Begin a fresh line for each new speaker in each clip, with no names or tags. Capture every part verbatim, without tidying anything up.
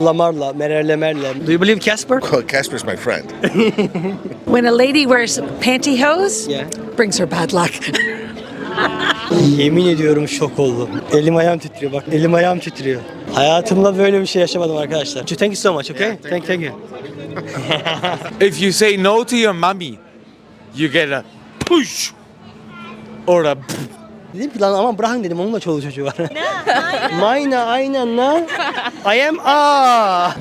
Lamarla, Mererle Merle. Do you believe Casper?
Well, Casper's my friend.
When a lady wears pantyhose,
Yeah.
brings her bad luck.
Yemin ediyorum şok oldum. Elim ayağım titriyor bak. Elim ayağım titriyor. Hayatımda böyle bir şey yaşamadım arkadaşlar. Thank you so much, okay?
Yeah,
thank, thank you.
If you say no to your mommy, you get a push or a
Dedim ki lan aman bırakın dedim, onun da çoluğu çocuğu var. Mayna aynen lan. I am a.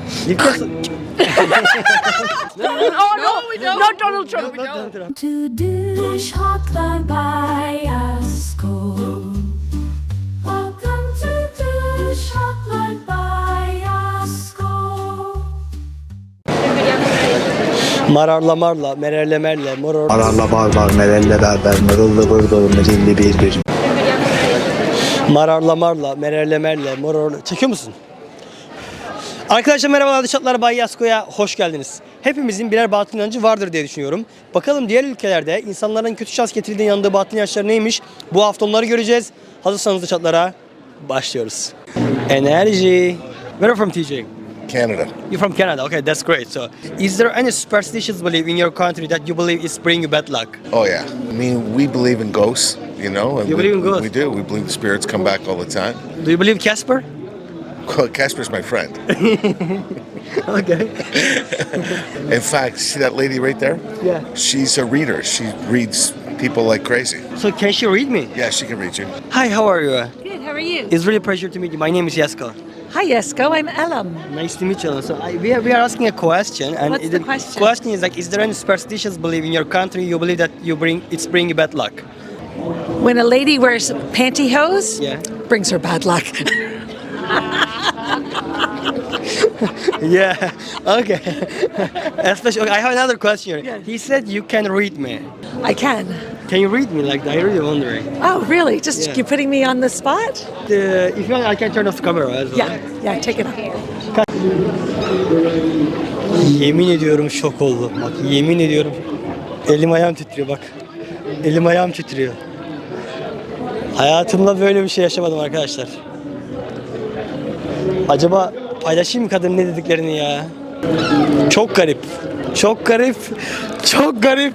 Oh no, we don't. Not Donald Trump. We don't.
To Dish Hotline by Asko. Welcome to Dish Hotline by Asko.
Mararla marla, mererle merle, moror.
Ararla barbar, merelle berber, mırıllı bırdır, mirilli bir bir.
Mararla marla, mererle merle, moror. Çekiyor musun? Arkadaşlar merhabalar, Dışatlar Bay Yasko'ya hoş geldiniz. Hepimizin birer batıl inancı vardır diye düşünüyorum. Bakalım diğer ülkelerde insanların kötü şans getirdiğine inandığı batıl inançlar neymiş? Bu hafta onları göreceğiz. Hazırsanız Dışatlar'a başlıyoruz. Enerji. Where are you from, T J?
Canada.
You're from Canada. Okay, that's great. So, is there any superstitious belief in your country that you believe is bringing you bad luck?
Oh yeah. I mean, we believe in ghosts, you know. And
You
we,
believe in ghosts?
We do. We believe the spirits come back all the time.
Do you believe Casper?
Well, Casper's my friend.
Okay.
In fact, see that lady right there?
Yeah.
She's a reader. She reads people like crazy.
So, can she read me?
Yeah, she can read you.
Hi, how are you?
Good. How are you?
It's really a pleasure to meet you. My name is Yasko.
Hi, Yesko. I'm Elam.
Nice to meet you. So I, we, are, we are asking a question, and
What's
it-
the question?
question is like, is there any superstitious belief in your country you believe that you bring it's bringing bad luck?
When a lady wears pantyhose,
Yeah.
brings her bad luck.
Yeah. Okay. Especially, okay, I have another question.
Yeah.
He said you can read me.
I can.
Can you read me? Like, I really wondering.
Oh, really? Just
Yeah.
you putting me on the spot?
Uh, if you want, I can turn off the camera as well.
Yeah. Yeah. Take it off.
Yemin ediyorum şok oldum. Bak, yemin ediyorum. Elim ayağım titriyor bak. Elim ayağım titriyor. Hayatımda böyle bir şey yaşamadım arkadaşlar. Acaba paylaşayım mı kadın ne dediklerini ya? Çok garip. Çok garip. Çok garip.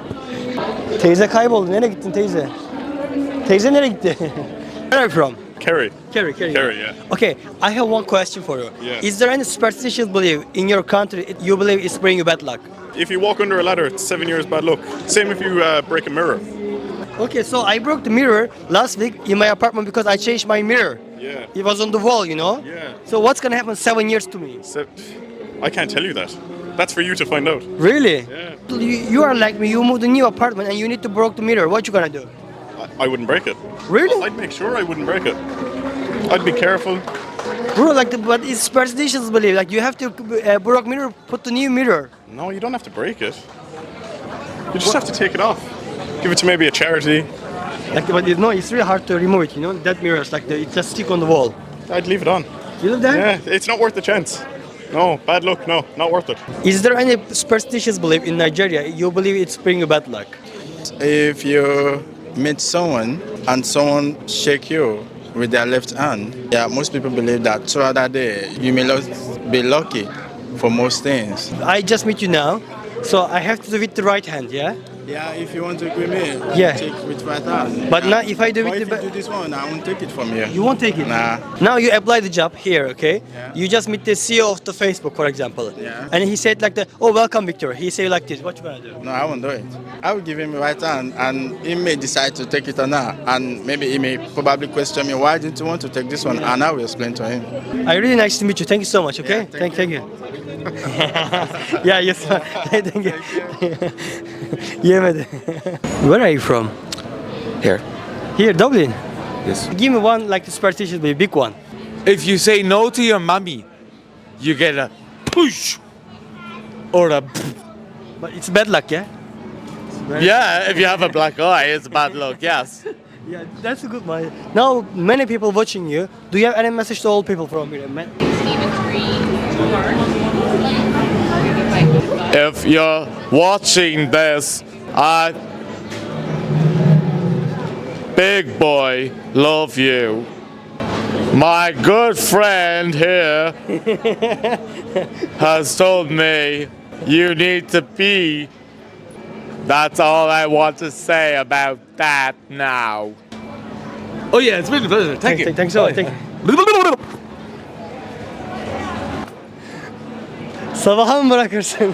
Teyze kayboldu. Nereye gittin teyze? Teyze nereye gitti? Where are you from?
Kerry.
Kerry, Kerry.
Kerry, yeah.
Okay, I have one question for you.
Yeah.
Is there any superstitious belief in your country it- you believe is bringing you bad luck?
If you walk under a ladder, it's seven years bad luck. Same if you uh, break a mirror.
Okay, so I broke the mirror last week in my apartment because I changed my mirror.
Yeah.
It was on the wall, you know?
Yeah.
So what's gonna happen seven years to me?
So, I can't tell you that. That's for you to find out.
Really?
Yeah.
You, you are like me, you moved a new apartment and you need to break the mirror. What you gonna do?
I, I wouldn't break it.
Really?
I'd make sure I wouldn't break it. I'd be careful.
Bro, like, the, but it's superstitious belief. Like, you have to uh, break mirror, put the new mirror.
No, you don't have to break it. You just have to take it off. Give it to maybe a charity.
Like, but it, no, it's really hard to remove it, you know? That mirror is like, the, it just stick on the wall.
I'd leave it on.
You know that?
Yeah, it's not worth the chance. No, bad luck. No, not worth it.
Is there any superstitious belief in Nigeria you believe it's bringing you bad luck?
If you meet someone and someone shake you with their left hand, yeah, most people believe that throughout that day you may not be lucky for most things.
I just meet you now, so I have to do with the right hand, yeah?
Yeah, if you want to give me,
Yeah.
take with right hand.
But
yeah.
now if I do
But
with
if
the
you
ba-
do this one, I won't take it from you.
You won't take it?
Nah.
Now you apply the job here, okay?
Yeah.
You just meet the C E O of the Facebook, for example.
Yeah.
And he said like, the, oh, welcome, Victor. He said like this. What you gonna do?
No, I won't do it. I will give him right hand, and he may decide to take it or not. And maybe he may probably question me, why didn't you want to take this one? And I will explain to him.
I really nice to meet you. Thank you so much, okay?
Yeah, thank
thank, thank you. Yeah, yes. Thank you. Yemedi. Where are you from?
here.
Here, Dublin.
Yes.
Give me one like superstitious, but big one.
If you say no to your mommy, you get a push or a
But it's bad luck, yeah?
yeah. If you have a black eye, it's bad luck. Yes.
Yeah, that's a good one. Now, many people watching you. Do you have any message to all people from here? Man?
If you're watching this, I big boy love you. My good friend here has told me you need to pee. That's all I want to say about that now. Oh yeah, it's been a pleasure. Thank you.
Thanks so much. Thank Sabaha mı bırakırsın?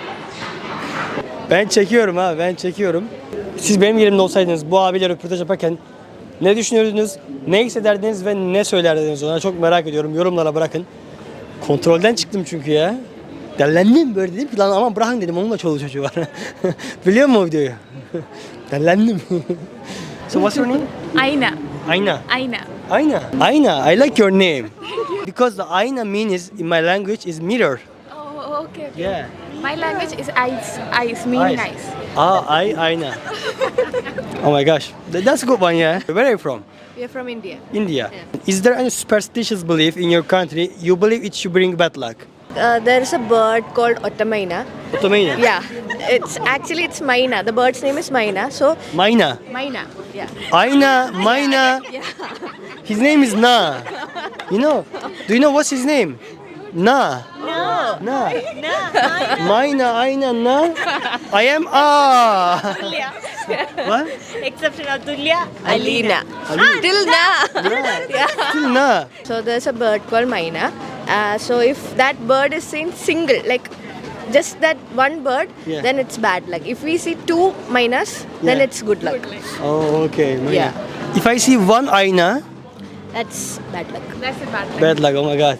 Ben çekiyorum ha, ben çekiyorum. Siz benim yerimde olsaydınız bu abiyle röportaj yaparken ne düşünürdünüz, ne hissederdiniz ve ne söylerdiniz ona çok merak ediyorum. Yorumlara bırakın. Kontrolden çıktım çünkü ya. Dellendim böyle dedim ki lan aman bırakın dedim onunla çoluğu çocuğu var. Biliyor musun o videoyu? Dellendim. So what's your name?
Aina.
Aina.
Aina.
Aina. Aina, I like your name. Because the Aina means in my language is mirror.
Oh, okay. okay.
Yeah.
My language is ice. Ice mean
Ice.
nice.
Ah, I, Aina. Oh my gosh. Th- That's a good one, yeah. Where are you from?
We are from India.
India. Is there any superstitious belief in your country you believe it should bring bad luck?
Uh, there is a bird called Otamaina.
Ottomania.
Yeah, it's actually it's Maina. The bird's name is Maina. So
Maina.
Maina. Yeah.
Aina, Maina. His name is Na. You know? Do you know what's his name? Na.
No.
Na. Maina, Aina, Na. I am Ah. What?
Exception of Tulya. Alina. Till na.
Yeah. Still Na.
So there's a bird called Maina. Uh, so if that bird is seen single, like just that one bird,
Yeah.
then it's bad luck. If we see two Mainas, then
Yeah.
it's good luck.
Oh, okay. Maina.
Yeah.
If I see one Aina,
That's bad luck.
That's a bad
bad luck. Oh my God.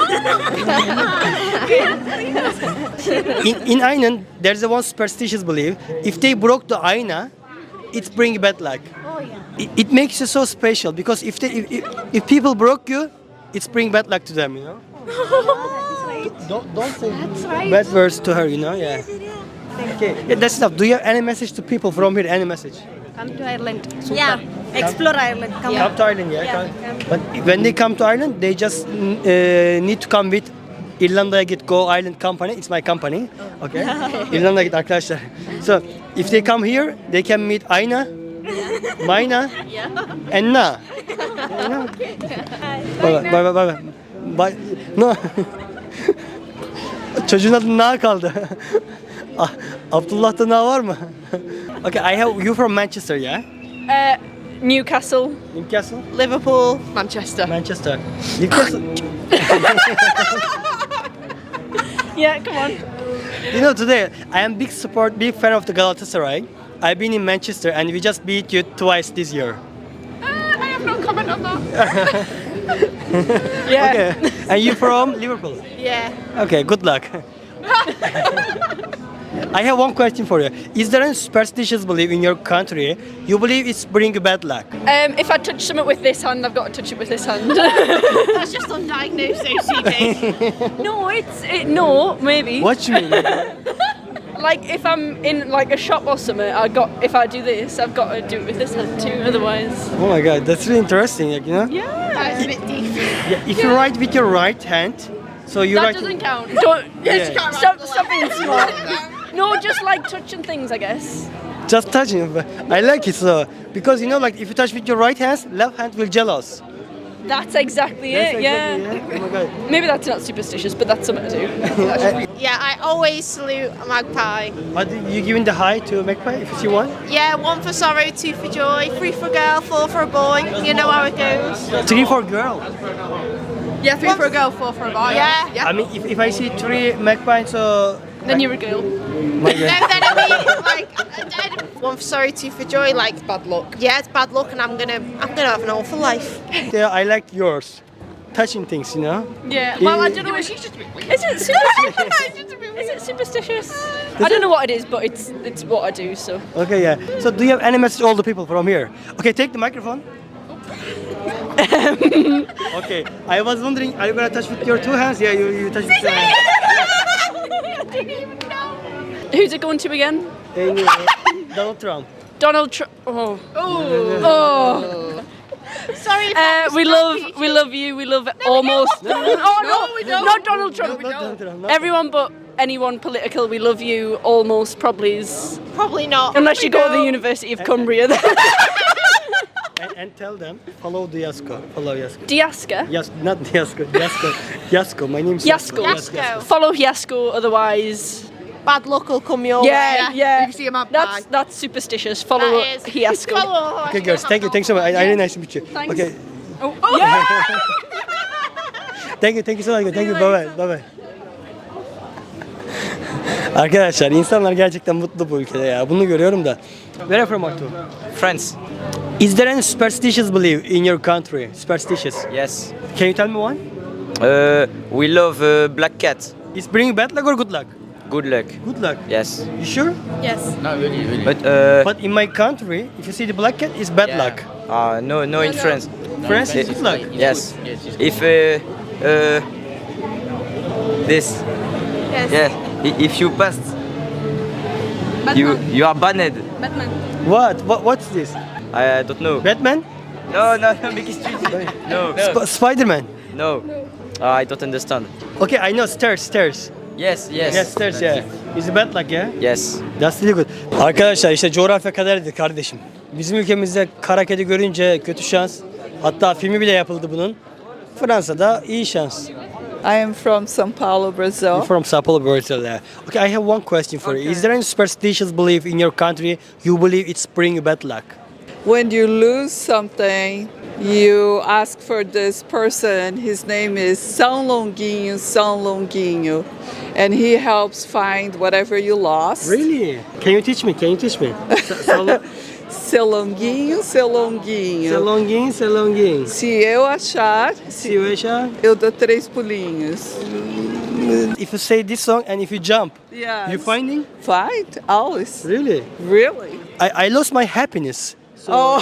in in Aina, there's a one superstitious belief. If they broke the Aina, it brings bad luck.
Oh yeah.
It, it makes you so special because if they if, if, if people broke you, it's bring bad luck to them. You know. Don't don't say
right.
bad words to her. You know. Yeah. Okay. Yeah, that's enough. Do you have any message to people from here? Any message?
Come to Ireland.
Yeah, explore Ireland. Come
Come to Ireland, yeah.
Yeah,
come. But when they come to Ireland, they just mm, uh, need to come with İrlanda'ya git Go Island Company. It's my company. Okay. İrlanda'ya git arkadaşlar. So if they come here, they can meet Aina, Maina, and Na. You know? Bye bye bye bye bye. Bye. No. Çocuğun adı Na kaldı. Ah, Abdullah'ta Na var mı? Okay, I have you from Manchester, yeah?
Uh, Newcastle,
Newcastle.
Liverpool, Manchester.
Manchester. Newcastle.
Yeah, come on.
You know, today I am big support, big fan of the Galatasaray. I've been in Manchester and we just beat you twice this year.
I have no comment on that.
Yeah.
Okay. And you from Liverpool?
Yeah.
Okay, good luck. I have one question for you. Is there any superstitious belief in your country you believe it's bring bad luck?
Um, if I touch something with this hand, I've got to touch it with this hand.
That's just undiagnosed O C D.
No, it's it, no, maybe.
What you mean?
Like if I'm in like a shop or something, I got if I do this, I've got to do it with this hand too. Otherwise,
Oh my god, that's really interesting, like, you know?
yeah,
That's a bit deep.
Yeah, if you write with your right hand, so you
that
write.
doesn't count. Don't
Yeah.
stop, stop being smart. No, just like touching things, I guess.
Just touching. But I like it so because you know, like if you touch with your right hand, left hand will jealous.
That's exactly
That's
it.
exactly,
Yeah.
Oh my god.
Maybe that's not superstitious, but that's something to do.
Yeah, I always salute a magpie.
But you giving the high to Magpie if you see one?
Yeah, one for sorrow, two for joy, three for a girl, four for a boy. You know how it goes.
Three for girl.
Yeah, three for a girl, four for a boy.
Yeah.
I mean, if, if I see three Magpie, so.
Then you're a girl.
My
No,
god.
then I mean, like, one for sorrow, two for joy. Like bad luck. Yeah, it's bad luck, and I'm gonna, I'm gonna have an awful life.
Yeah, I like yours. Touching things, you know.
Yeah. Well, I don't know. Is it superstitious? Is it superstitious? I don't know what it is, but it's it's what I do. So.
Okay, yeah. So do you have any message to all the people from here? Okay, take the microphone. Okay, I was wondering, are you gonna touch with your two hands? Yeah, you, you touch with two hands.
Who's it going to again?
And, uh, Donald Trump.
Donald Trump. Oh. Oh.
Sorry. If
Uh,
that
we
was
love,
not
we love you. We love almost. Oh no,
we don't.
not Donald Trump.
No, not Donald Trump, not
Everyone but anyone political. We love you. Almost probably is.
Probably not.
Unless you go to the
No.
University of Cumbria.
And, and tell them follow Yasko. Follow Yasko.
Diaska.
Yes, not Yasko. Yasko. Yasko. My name is
Yasko.
Yasko.
Follow Yasko, otherwise.
Bad luck will come your
Yeah,
way.
yeah.
You can see a mad
That's
bag.
that's superstitious. Follow
That is.
Yasko.
Follow
Okay, girls. Thank you. Thanks so much. I, I really nice to meet you.
Thanks.
Okay.
Oh, oh. Yeah.
Thank you. Thank you so much. Thank you. Bye bye. Bye bye. Arkadaşlar insanlar gerçekten mutlu bu ülkede ya. Bunu görüyorum da. Where are you from Artu?
France.
Is there any superstitious belief in your country? Superstitious.
Yes.
Can you tell me one?
Uh, we love uh, black cat.
Is bringing bad luck or good luck?
Good luck.
Good luck.
Yes.
You sure?
Yes.
But uh,
But in my country, if you see the black cat, it's bad luck.
uh no, no, in France.
France is
Eh,
good luck.
Yes. If uh, uh, this.
Yes.
Yeah. i- If you passed, you you are banned.
What? What? What's this?
I don't know.
Batman?
No, no, no. Make it street. No.
Sp- Spider-Man?
No. Uh, I don't understand.
Okay, I know stairs, stairs.
Yes, yes.
Yes, stairs, yeah. It's bad luck, yeah?
Yes.
That's really good. Arkadaşlar işte coğrafya kaderdir kardeşim. Bizim ülkemizde kara kedi görünce kötü şans. Hatta filmi bile yapıldı bunun. Fransa'da iyi şans.
I am from São Paulo, Brazil.
You're from Sao Paulo, Brazil. Yeah. Okay, I have one question for you. Is there any superstitious belief in your country you believe it's bring you bad luck?
When you lose something, you ask for this person. His name is São Longuinho, São Longuinho, and he helps find whatever you lost.
Really? Can you teach me? Can you teach me? Salong,
Seu Longuinho, Seu Longuinho.
salongin, salongin.
Se eu achar, se
Situation.
eu dou três pulinhos.
If you say this song and if you jump,
Yes.
you finding?
Find always.
Really?
Really?
I, I lost my happiness. So
Oh,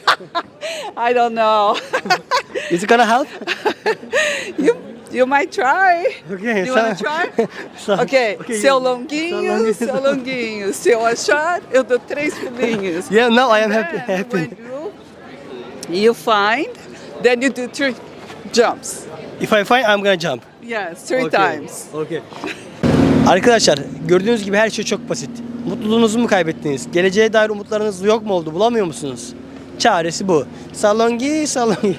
I don't know.
is it gonna help?
you you might try.
Okay.
You wanna try?
so,
Ok, seu
you-
longuinho,
Seu
seu
longuinho.
longuinho. Se eu achar, eu dou três pulinhos.
Yeah, now I am
Then
happy. happy.
when you, you find, then you do three jumps.
If I find, I'm gonna jump.
Yes, three
Okay.
times.
Okay. Arkadaşlar gördüğünüz gibi her şey çok basit. Mutluluğunuzu mu kaybettiniz? Geleceğe dair umutlarınız yok mu oldu? Bulamıyor musunuz? Çaresi bu. Salongi, salongi.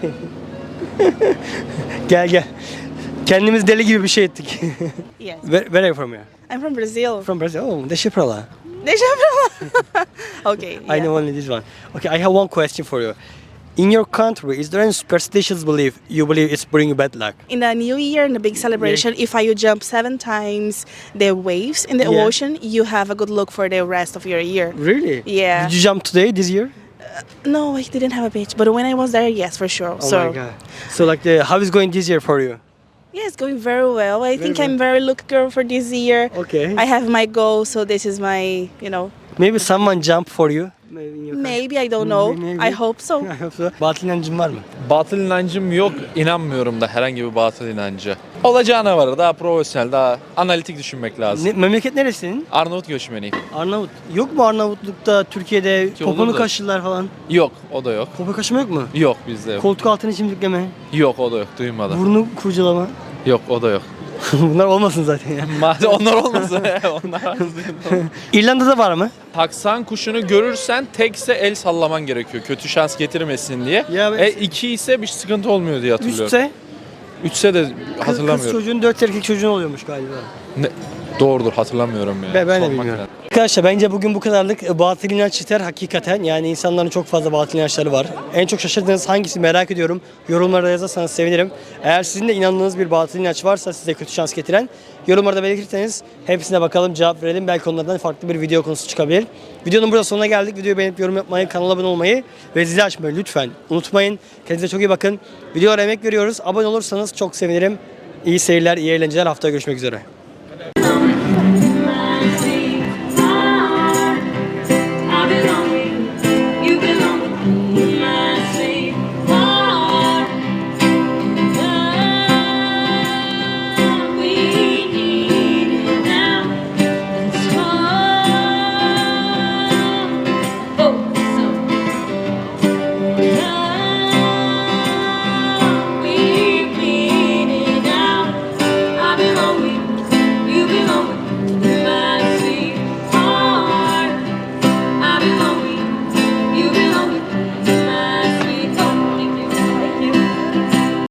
Gel gel. Kendimiz deli gibi bir şey ettik.
Yes.
Where, where are you from here?
I'm from Brazil.
From Brazil. Oh, the Shiprala.
Deixa eu falar. Okay.
I know only this one. Okay, I have one question for you. In your country, is there any superstitious belief you believe it's bringing bad luck?
In the new year, in the big celebration, if you jump seven times the waves in the
Yeah.
ocean, you have a good luck for the rest of your year.
Really?
Yeah.
Did you jump today, this year?
No, I didn't have a beach, but when I was there, yes, for sure.
Oh
so
my god. So like, the, how is going this year for you?
yeah, it's going very well. I think
well.
I'm very lucky girl for this year.
Okay.
I have my goal, so this is my, you know,
Maybe someone jumped for you. Maybe in your country.
maybe I don't know.
Maybe.
I hope so.
I hope so. Batıl inancın var mı?
Batıl inancım yok. İnanmıyorum da herhangi bir batıl inancı. Olacağına var. Daha profesyonel, daha analitik düşünmek lazım.
Ne, memleket neresi senin?
Arnavut göçmeniyim.
Arnavut. Yok mu Arnavutluk'ta, Türkiye'de
Ki olur
poponu
da.
kaşırlar falan?
Yok, o da yok.
Popo kaşıma yok mu?
Yok bizde yok.
Koltuk altını çimdikleme,
Yok, o da yok. Duymadım.
burnu kurcalama.
Yok, o da yok.
Bunlar olmasın zaten ya.
Madem onlar olmasın. onlar az değil.
İrlanda'da var mı?
Taksan kuşunu görürsen tekse el sallaman gerekiyor. Kötü şans getirmesin diye.
Ya ben-
e iki ise bir sıkıntı olmuyor diye hatırlıyorum.
Üçse
Üçse de
kız, kız
hatırlamıyorum.
çocuğun dört erkek çocuğun oluyormuş galiba.
Ne? Doğrudur, hatırlamıyorum ya.
Ben, ben de
Sormak
bilmiyorum.
lazım.
Arkadaşlar bence bugün bu kadarlık. Batıl inanç yeter hakikaten. Yani insanların çok fazla batıl inançları var. En çok şaşırdığınız hangisi merak ediyorum. Yorumlarda yazarsanız sevinirim. Eğer sizin de inandığınız bir batıl inanç varsa size kötü şans getiren yorumlarda belirtirseniz hepsine bakalım, cevap verelim. Belki onlardan farklı bir video konusu çıkabilir. Videonun burada sonuna geldik. Videoyu beğenip yorum yapmayı, kanala abone olmayı ve zili açmayı lütfen unutmayın. Kendinize çok iyi bakın. Videolara emek veriyoruz. Abone olursanız çok sevinirim. İyi seyirler, iyi eğlenceler. Haftaya görüşmek üzere.